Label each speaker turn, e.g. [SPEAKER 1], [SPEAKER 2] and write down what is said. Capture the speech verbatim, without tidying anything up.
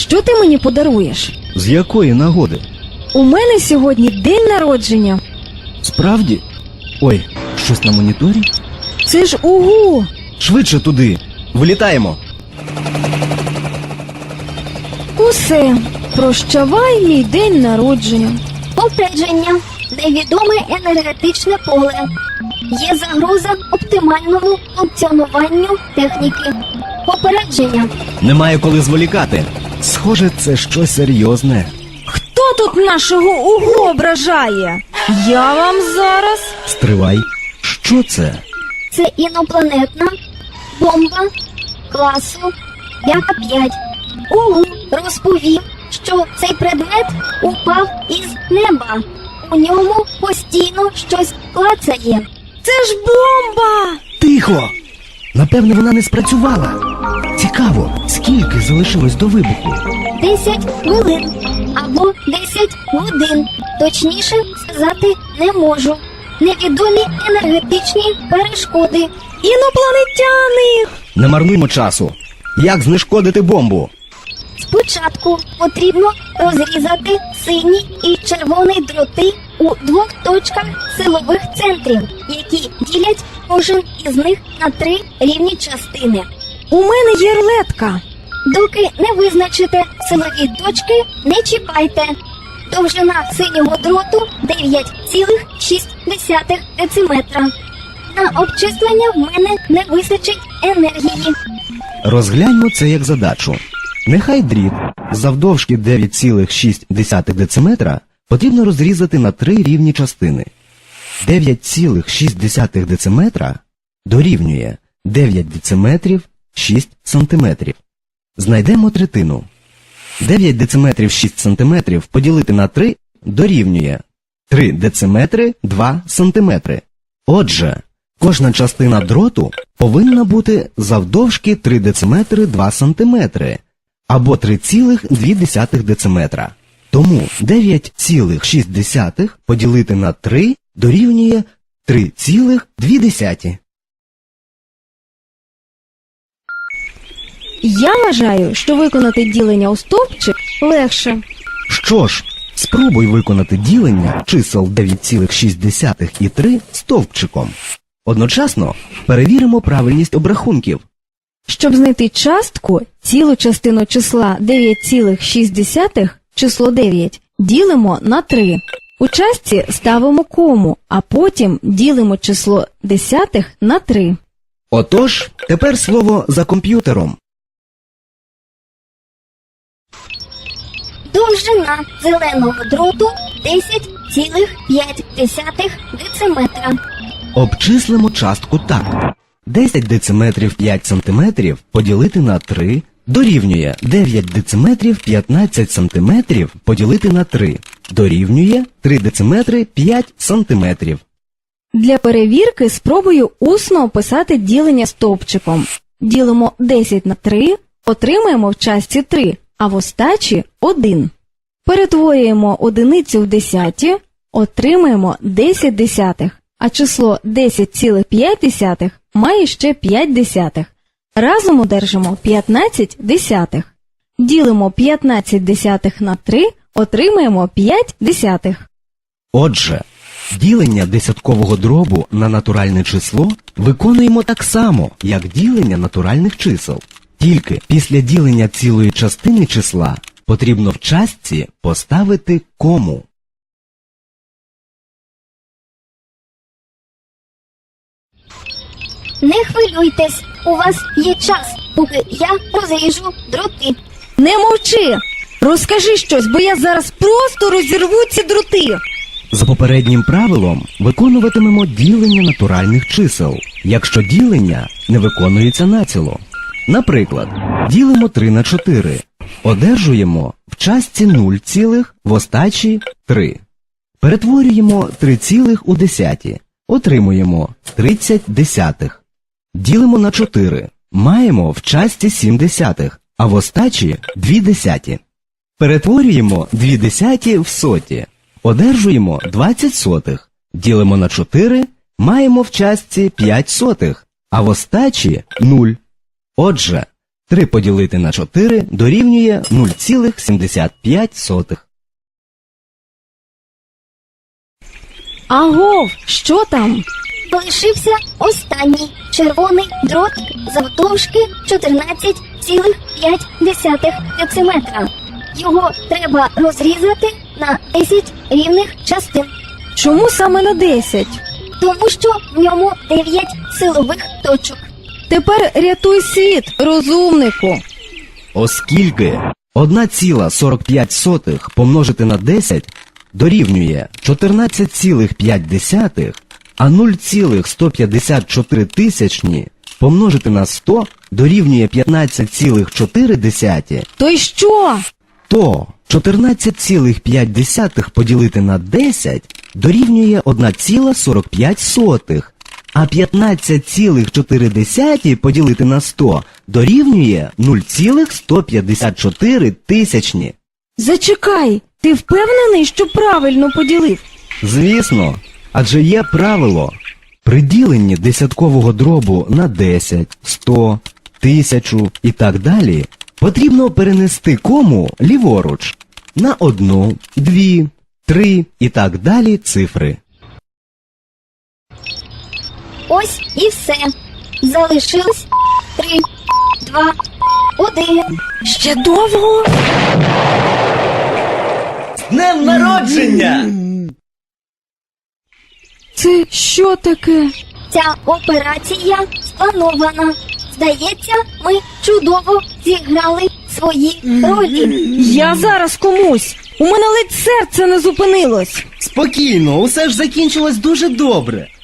[SPEAKER 1] Що ти мені подаруєш?
[SPEAKER 2] З якої нагоди?
[SPEAKER 1] У мене сьогодні день народження.
[SPEAKER 2] Справді? Ой, щось на моніторі?
[SPEAKER 1] Це ж УГУ!
[SPEAKER 2] Швидше туди! Вилітаємо!
[SPEAKER 1] Усе, прощавай мій день народження.
[SPEAKER 3] Попередження. Невідоме енергетичне поле. Є загроза оптимальному функціонуванню техніки. Попередження.
[SPEAKER 2] Немає коли зволікати. Схоже, це щось серйозне.
[SPEAKER 1] Хто тут нашого УГУ ображає? Я вам зараз...
[SPEAKER 2] Стривай. Що це?
[SPEAKER 3] Це інопланетна бомба класу Яка п'ять. УГУ розповів, що цей предмет упав із неба. У ньому постійно щось клацає.
[SPEAKER 1] Це ж бомба!
[SPEAKER 2] Тихо! Напевне, вона не спрацювала. Цікаво, скільки залишилось до вибуху?
[SPEAKER 3] Десять хвилин або десять годин. Точніше сказати не можу. Невідомі енергетичні перешкоди.
[SPEAKER 1] Інопланетяни!
[SPEAKER 2] Не марнуймо часу. Як знешкодити бомбу?
[SPEAKER 3] Спочатку потрібно розрізати синій і червоний дроти у двох точках силових центрів, які ділять кожен із них на три рівні частини.
[SPEAKER 1] У мене є рулетка.
[SPEAKER 3] Доки не визначите силові точки, не чіпайте. Довжина синього дроту дев'ять цілих шість десятих дециметра. На обчислення в мене не вистачить енергії.
[SPEAKER 2] Розгляньмо це як задачу. Нехай дріт завдовжки дев'ять цілих шість десятих дециметра потрібно розрізати на три рівні частини. дев'ять цілих шість десятих дециметра дорівнює дев'ять дециметрів шість сантиметрів. Знайдемо третину. дев'ять дециметрів шість сантиметрів поділити на три дорівнює три дециметри два сантиметри. Отже, кожна частина дроту повинна бути завдовжки три дециметри два сантиметри або три цілих дві десятих дециметра. Тому дев'ять цілих шість десятих поділити на три дорівнює три цілих дві десяті.
[SPEAKER 1] Я вважаю, що виконати ділення у стовпчик легше.
[SPEAKER 2] Що ж, спробуй виконати ділення чисел дев'ять цілих шість десятих і три стовпчиком. Одночасно перевіримо правильність обрахунків.
[SPEAKER 1] Щоб знайти частку, цілу частину числа дев'ять цілих шість десятих, число дев'ять, ділимо на три. У частці ставимо кому, а потім ділимо число десятих на три.
[SPEAKER 2] Отож, тепер слово за комп'ютером.
[SPEAKER 3] Довжина зеленого дроту десять цілих п'ять десятих дециметра.
[SPEAKER 2] Обчислимо частку так. десять дециметрів п'ять сантиметрів поділити на три дорівнює дев'ять дециметрів п'ятнадцять сантиметрів поділити на три дорівнює три дециметри п'ять сантиметрів.
[SPEAKER 1] Для перевірки спробую усно описати ділення стовпчиком. Ділимо десять на три, отримаємо в частці три, а в остачі один. Перетворюємо одиницю в десяті, отримаємо десять десятих, а число десять цілих п'ять десятих має ще п'ять десятих. Разом одержимо п'ятнадцять десятих. Ділимо п'ятнадцять десятих на три, отримаємо п'ять десятих.
[SPEAKER 2] Отже, ділення десяткового дробу на натуральне число виконуємо так само, як ділення натуральних чисел. Тільки після ділення цілої частини числа потрібно в частці поставити кому.
[SPEAKER 3] Не хвилюйтесь, у вас є час, поки я розріжу дроти.
[SPEAKER 1] Не мовчи! Розкажи щось, бо я зараз просто розірву ці дроти.
[SPEAKER 2] За попереднім правилом виконуватимемо ділення натуральних чисел, якщо ділення не виконується націло. Наприклад, ділимо три на чотири. Одержуємо в частці нуль цілих, в остачі три. Перетворюємо три цілих у десяті. Отримуємо тридцять десятих. Ділимо на чотири. Маємо в частці сім десятих, а в остачі дві десяті. Перетворюємо дві десяті в соті. Одержуємо двадцять сотих. Ділимо на чотири. Маємо в частці п'ять сотих, а в остачі нуль. Отже, три поділити на чотири дорівнює нуль цілих сімдесят п'ять сотих.
[SPEAKER 1] Агов, що там?
[SPEAKER 3] Залишився останній червоний дрот завдовжки чотирнадцять цілих п'ять десятих дециметра. Його треба розрізати на десять рівних частин,
[SPEAKER 1] Чому саме на десять?
[SPEAKER 3] тому що в ньому дев'ять силових точок.
[SPEAKER 1] Тепер рятуй світ, розумнику.
[SPEAKER 2] Оскільки одна ціла сорок п'ять сотих помножити на десять дорівнює чотирнадцять цілих п'ять десятих, а нуль цілих сто п'ятдесят чотири тисячні помножити на сто дорівнює п'ятнадцять цілих чотири десяті,
[SPEAKER 1] То й що?
[SPEAKER 2] то чотирнадцять цілих п'ять десятих поділити на десять дорівнює одна ціла сорок п'ять сотих, а п'ятнадцять цілих чотири десяті поділити на сто дорівнює нуль цілих сто п'ятдесят чотири тисячні.
[SPEAKER 1] Зачекай, ти впевнений, що правильно поділив?
[SPEAKER 2] Звісно, адже є правило. При діленні десяткового дробу на десять, сто, тисячу і так далі потрібно перенести кому ліворуч на одну, дві, три і так далі цифри.
[SPEAKER 3] Ось і все. Залишилось три, два, один.
[SPEAKER 1] Ще довго?
[SPEAKER 2] З днем народження!
[SPEAKER 1] Це що таке?
[SPEAKER 3] Ця операція спланована. Здається, ми чудово зіграли свої ролі.
[SPEAKER 1] Я зараз комусь. У мене ледь серце не зупинилось.
[SPEAKER 2] Спокійно, усе ж закінчилось дуже добре.